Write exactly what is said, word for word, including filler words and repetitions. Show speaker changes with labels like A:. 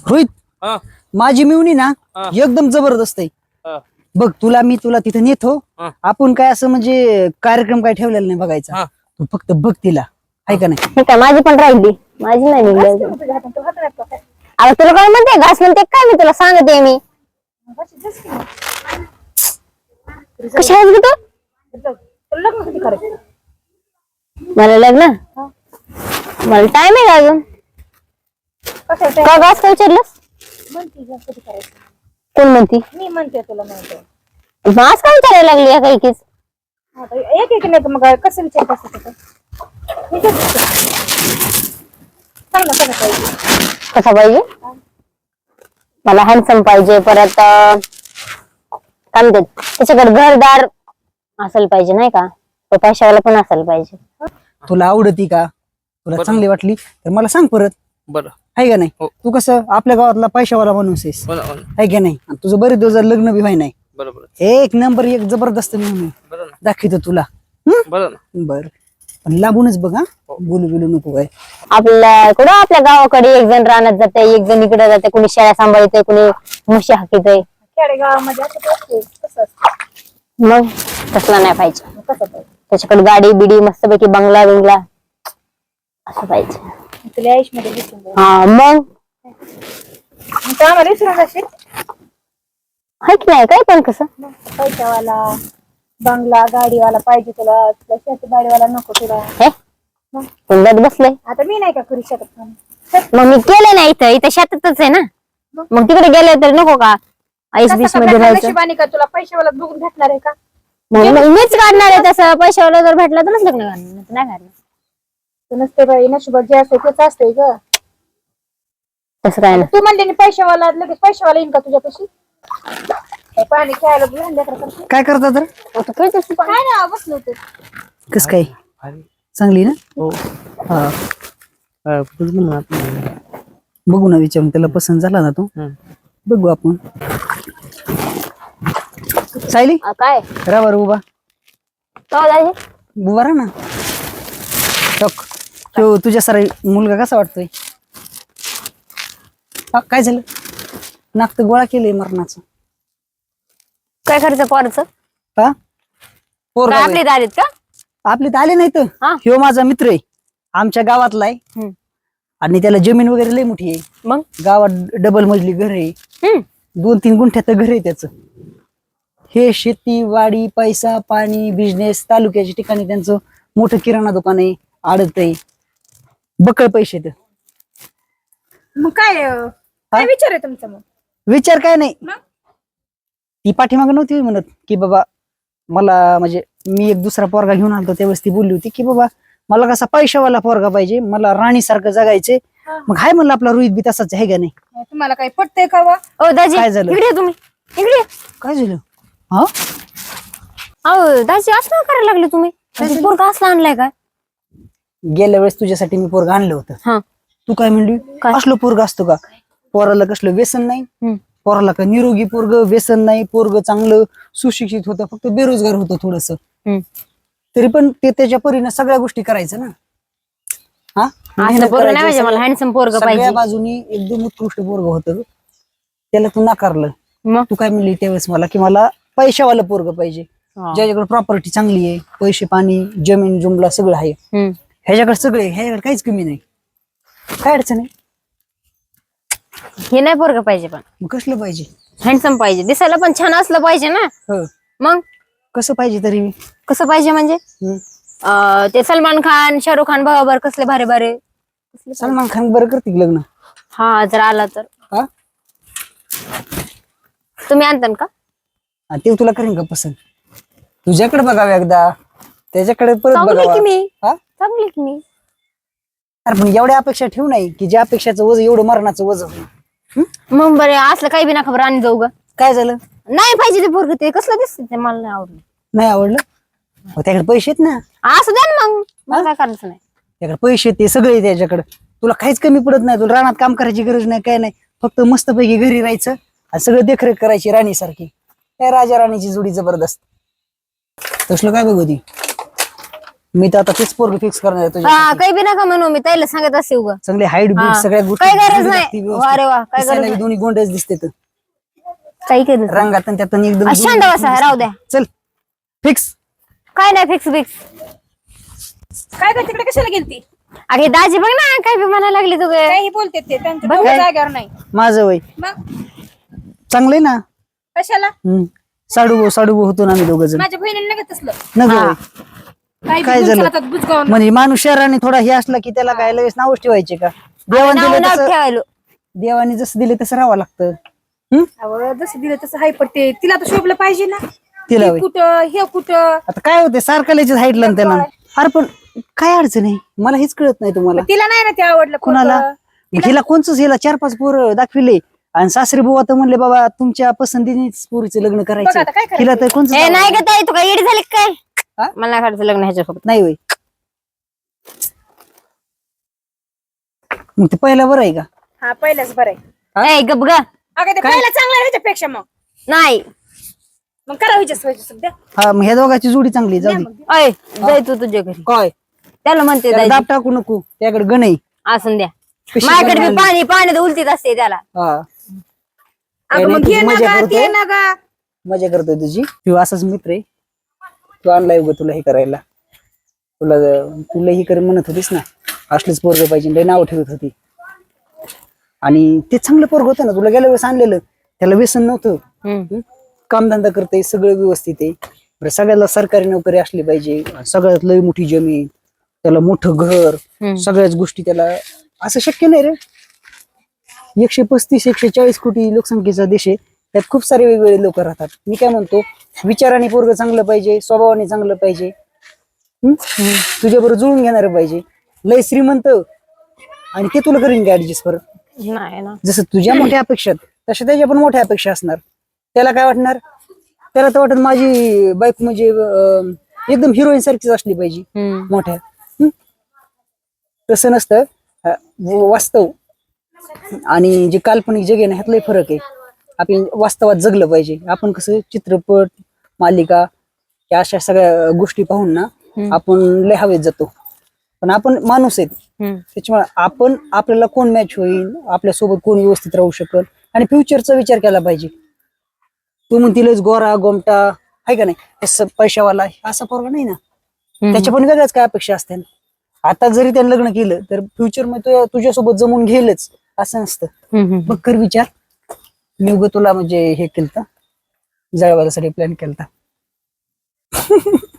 A: रोहित
B: हा
A: माझी मिळून ना
B: हा.
A: एकदम जबरदस्त आहे.
B: हा.
A: बघ तुला मी तुला तिथे नेतो.
B: हा.
A: आपण काय असं म्हणजे कार्यक्रम काय ठेवलेला नाही बघायचा.
B: हा.
A: तू फक्त बघ तिला आहे का नाही.
C: हे काय माझी पण राहिली, माझी नाही निघली अजून. अरे तुला काय म्हणते, घास म्हणते काय, मी तुला सांगते मी कशी आहेस ग तू? मला लग्न मला टाइम आहे का अजून? का घास काय विचारलंस? कोण म्हणती?
D: मी म्हणते तुला माहिती
C: घास काय विचारायला लागली काही कीच?
D: एक एक नाही मग कसं विचार कसं
C: कसा पाहिजे? मला हँडसम पाहिजे, परत अं, काय म्हणतात त्याच्याकडे घरदार असेल पाहिजे नाही का, तो पैशावाला पण असेल पाहिजे.
A: तुला आवडती का, तुला
B: बरं.
A: चांगली वाटली तर मला सांग परत
B: बरं
A: आहे का नाही.
B: हो.
A: तू कसं आपल्या गावातला पैशावाला माणूस आहेस
B: हो ना, हो ना.
A: आहे का नाही. आणि तुझं बरेच दिवस झालं लग्न बी व्हाय नाही.
B: बरोबर
A: एक नंबर एक जबरदस्त मी
B: बरं ना
A: दाखवतो तुला. हम्म?
B: बरं ना
A: बर पण लांबूनच बघ हा, बोलू बिलू नको काय.
C: आपल्या कुठं आपल्या गावाकडे एक जण रानात जाते, एक जण इकडे जाते, कुणी शेळ्या सांभाळते, कुणी म्हशी हाकीते.
D: खेडेगावामध्ये असं असते, कसं असतं
C: मग तसला नाही पाहिजे.
D: कसं पाहिजे
C: त्याच्याकडे गाडी बिडी मस्तपैकी बंगला बिंगला असं पाहिजे.
D: तुला आयुष मध्ये दिसून जाईल.
C: हा मग
D: मग तू आम्हाला विसरून जाशील.
C: हाय की नाही काय पण कसं
D: मग पैशावाला बंगला गाडीवाला पाहिजे तुला, तुला शेती बाडीवाला नको तुला.
C: हे
D: मग
C: कुंडात बसलंय.
D: आता मी नाही का करू शकत काम?
C: मग मी केलं नाही इथं इथं शेतातच आहे ना. मग तिकडे गेले तर नको का आईस
D: कसं
C: बीस
D: का
C: मध्ये
D: भेटणार
C: राहायचं?
D: नशिबाने का तुला पैशावाला बघून भेटणार आहे का?
C: मग मग मीच काढणार आहे तसं. पैशावाला जर भेटला तरच लग्न करणार, नाही तर नाही करणार.
D: तू नसते बाई, नशिबात जे असते तेच असते ग.
C: तसं काय ना.
D: तू म्हणले ना पैशावाला, लगेच पैशावाला येईन का तुझ्यापाशी? काय पाणी खेळायला लहान लेकरं करते.
A: काय करता तर
C: आता काय तसं पण-
D: काय ना बसलो होतो.
A: कस काय
B: भारी.
A: चांगली ना.
B: हो
A: हा
B: हा, तुझं म्हणणं आपण.
A: बघू ना विचारून त्याला पसंत झाला ना तो
B: हं.
A: बघू आपण. सायली
C: आ, काय
A: रा बरं उभा
C: काय दाजी?
A: उभा राहा ना. टक तो तुझ्या सारा मुलगा कसा वाटतोय? हा, काय झालं? नाक तर गोळा केलंय मरणाचं.
C: काय करायचं पोराचं?
A: हा पोरगा
C: काय
A: होय.
C: आपले दारीत का?
A: आपले तर आले नाही तर
C: हा.
A: ह्यो माझा मित्र आहे, आमच्या गावातला आहे.
C: हम्म.
A: आणि त्याला जमीन वगैरे लय मोठी आहे.
C: मग
A: गावात डबल मजली घर आहे,
C: हम्म
A: दोन तीन गुंठ्यात घर आहे त्याचं. हे शेती वाडी पैसा पाणी बिझनेस तालुक्याच्या ठिकाणी त्यांचं मोठं किराणा दुकान आहे, आडत आहे, बकळ पैसे तर.
D: मग काय अं, काय विचार आहे तुमचा? मग
A: विचार काय नाही.
D: मग?
A: ती पाठीमाग नव्हती म्हणत की बाबा मला म्हणजे मी एक दुसरा पोरगा घेऊन आलतो त्यावेळेस ती बोलली होती की बाबा मला कसा पैशावाला पोरगा पाहिजे, मला राणीसारखं जगायचे.
D: हा.
A: मग हाय म्हणलं आपला रोहित बी तसाच आहे का नाही.
D: तुम्हाला काही पटतंय का वा?
C: ओ दाजी
A: काय झालं?
C: इकडे या तुम्ही, इकडे या.
A: काय झालं? हा
C: अहो दाजी असं काय करायला लागले तुम्ही? पोरगा असला आणलाय काय?
A: गेल्या वेळेस तुझ्यासाठी मी पोरगा आणलं होतं.
C: हा
A: तू काय म्हणली?
C: काय?
A: असलं पोरगा असतो का? पोराला कसलं व्यसन नाही,
C: हम्म.
A: पोराला का निरोगी पोरग व्यसन नाही, पोरग चांगलं सुशिक्षित होतं, फक्त बेरोजगार होतं थोडस.
C: हम्म.
A: तरी पण ते त्याच्या परीने सगळ्या गोष्टी करायचं ना. हा
C: असलं
A: मेहनत
C: पोरग नाही
A: करायची,
C: पाहिजे मला,
A: सगळ्या-
C: हँडसम पोरग
A: सगळ्या
C: पाहिजे.
A: बाजूनी एकदम उत्कृष्ट पोरग होतं. त्याला तू नाकारलं.
C: मग
A: तू काय म्हणली त्यावेळेस मला की मला पैशावाला पोरग पाहिजे,
C: हा.
A: ज्याच्याकडे प्रॉपर्टी चांगली आहे, पैसे पाणी जमीन जुमला सगळं आहे.
C: हम्म.
A: ह्याच्याकडे सगळे, ह्याच्याकडे काहीच कमी नाही. काय अडचण आहे?
C: हे नाही पोरग पाहिजे, पण
A: मग कसलं पाहिजे?
C: हँडसम पाहिजे, दिसायला पण छान असलं पाहिजे ना.
A: हो
C: मग
A: कसं पाहिजे तरी?
C: कसं पाहिजे म्हणजे
A: हम्म.
C: अं, ते सलमान खान शाहरुख खान बरोबर कसले भारी भारी.
A: सलमान खान बरं करते की लग्न?
C: हा जर आला तर
A: हा
C: तुम्ही आणता का?
A: आणि ते तुला करेन का पसंत? तुझ्याकडे बघावं एकदा, त्याच्याकडे परत
C: चांगली की
A: बघावं.
C: मी
A: हा
C: चांगली की मी
A: अरे पण एवढ्या अपेक्षा ठेवू नाही की ज्या अपेक्षाचं वजन एवढं मरणाचं वजन होईल.
C: मग बरे असलं काही बी ना खबर आणि जाऊ ग.
A: काय झालं?
C: नाही पाहिजे ते पोरग, ते कसलं दिसत ते मला नाही आवडलं.
A: नाही आवडलं? मग त्याकडे पैसे आहेत ना,
C: असं द्या ना मग, मला काय करायचं नाही.
A: त्याकडे पैसे आहेत, ते सगळे आहे त्याच्याकडे. तुला काहीच कमी पडत नाही, तुला रानात काम करायची गरज नाही, काय नाही. फक्त मस्तपैकी घरी राहायचं आणि सगळं देखरेख करायची राणीसारखी. काय राजा राणीची जोडी जबरदस्त. तसलं काय बघू ती मी तर आता तेच पोरग फिक्स करणार आहे
C: हा
A: तुझ्या
C: काही बी नका म्हणू मी त्याला सांगत असते उगा
A: चांगले हाईट बीट
C: हा.
A: सगळ्या गोष्टी
C: काही गरज
A: चांगली
C: नाही.
A: लागती व्यवस्थित.
C: वा रे वा, काही
A: दिसायला
C: गरज
A: बी दोन्ही गोंडच दिसते तर
C: काही केलं
A: रंगात आणि त्यातून एकदम
C: आ, शांत बसा, राहू द्या.
A: चल फिक्स.
C: काय नाही फिक्स फिक्स
D: काय कर तिकडे कशाला गेलती
C: अरे दाजी बघ ना काय बी म्हणायला लागली तू गे.
D: काही बोलते ते त्यांच्या
C: बघ
D: डोक्या
C: काय.
D: जागेवर नाही
A: माझं वय
D: मग
A: चांगलंय ना.
D: कशाला
A: हम्म. साडू साडू होतो ना आम्ही दोघ जण
D: माझ्या बहिणीने नका तसलं
A: न गं
C: हा.
A: वय.
D: काही
A: काय
D: बी
A: झालं?
D: गुंचला तर बुजगावून
A: म्हणजे माणूस शहराने थोडा हे असला की त्याला काय लगेच नावच ठेवायचे का देवाने
C: नाव
A: दिलं
C: नाव
A: तसं
C: ठेवायलो
A: देवाने जसं दिले तसं राहावं लागतं. हम्म
D: अहो, जसं दिलं तसं हाय पडते तिला तर शोभलं पाहिजे ना
A: तिला
D: ती
A: वय.
D: कुठं हे कुठं
A: आता काय होते सारखं लयच हाईटला ना त्याला अरे पण काय अडचण आहे मला हेच कळत नाही तुम्हाला
D: तिला नाही ना ते आवडलं
A: कुणाला
D: पोरगं.
A: मग हिला कोणच हिला चार पाच पोरं दाखविले आणि सासरी बुवा तर म्हणले बाबा तुमच्या पसंतीनेच पोरीचं लग्न
D: बघ
A: करायचं
D: आता काय करायचं?
A: हिला तर कोणच
C: ए नाही का ताई तू काय येडी झाली का
A: हा?
C: काय मला नाही काढायचं लग्न ह्याच्यासोबत
A: नाही होय मग ते पहिला बरं आहे का
D: हा पहिल्याच बरं आहे
A: हा?
C: ए गप ग
D: अगं ते पहिला चांगला आहे ह्याच्यापेक्षा मग
C: नाही
D: मग करा व्हायचं व्हायचं सध्या
A: हा मग ह्या दोघांची जोडी चांगली आहे, जाऊ दे
C: अय जाय तू तुझ्या घरी
A: काय
C: त्याला म्हणते
A: त्याला
C: दाजी
A: दाब टाकू नको त्याकडे गण आहे
C: असं द्या
A: पिशवी
C: माझ्याकडे
A: बनवायला.
C: बी पाणी पाण्यात उलटीत असते त्याला
A: हा
D: अगं मग
A: तुझी
D: घे ना
A: मजा
D: गा
A: करतोय
D: ते ना गा
A: मजा करतोय तुझी तू असाच मित्र आहे तू आणलाय उगा तुला हे करायला तुला तुला ही कर म्हणत होतीस ना असलेच पोरग पाहिजे लय नाव ठेवत होती आणि ते चांगलं पोरग होतं ना तुला गेल्या वेळेस आणलेलं त्याला व्यसन नव्हतं
C: हम्म.
A: कामधंदा करते सगळं व्यवस्थित आहे बरं सगळ्याला सरकारी नोकरी असली पाहिजे सगळ्यात लय मोठी जमीन त्याला मोठं घर
C: हम्म.
A: सगळ्याच गोष्टी त्याला असं शक्य नाही रे एकशे पस्तीस एकशे चाळीस कोटी लोकसंख्येचा देश आहे त्यात खूप सारे वेगवेगळे लोक राहतात मी काय म्हणतो विचाराने पोरग चांगलं पाहिजे स्वभावाने चांगलं पाहिजे हम्म? तुझ्याबरोबर जुळून घेणार पाहिजे लय श्रीमंत आणि ते तुला करीन का ऍडजस्ट परत
C: नाही ना
A: जसं तुझ्या मोठ्या अपेक्षा आहेत, तशा त्याच्या पण मोठ्या अपेक्षा असणार त्याला काय वाटणार त्याला तर वाटत माझी बायको म्हणजे अं, एकदम हिरोईन सारखीच असली पाहिजे
C: हम्म.
A: मोठ्या हम्म? तसं नसतं अं, वास्तव आणि जे काल्पनिक जग आहे ना ह्यातलाही फरक आहे आपण वास्तवात जगलं पाहिजे आपण कसं चित्रपट मालिका या अशा सगळ्या गोष्टी पाहून ना आपण लय हवेत जातो पण आपण माणूस आहेत
C: हम्म.
A: त्याच्यामुळे आपण आपल्याला कोण मॅच होईल आपल्यासोबत कोण व्यवस्थित राहू शकल आणि फ्युचरचा विचार केला पाहिजे तू म्हणतीलच गोरा गोमटा आहे का नाही हे स- पैशावाला असा पोरगा नाही ना त्याच्या पण वेगळ्याच काय अपेक्षा असते ना. आता जरी त्याने लग्न केलं तर फ्युचर मध्ये तो तुझ्यासोबत जमून घेलच असं नसतं
C: हम्म.
A: बघ कर विचार मी उगं तुला म्हणजे हे केलं जळवायसाठी प्लॅन केलता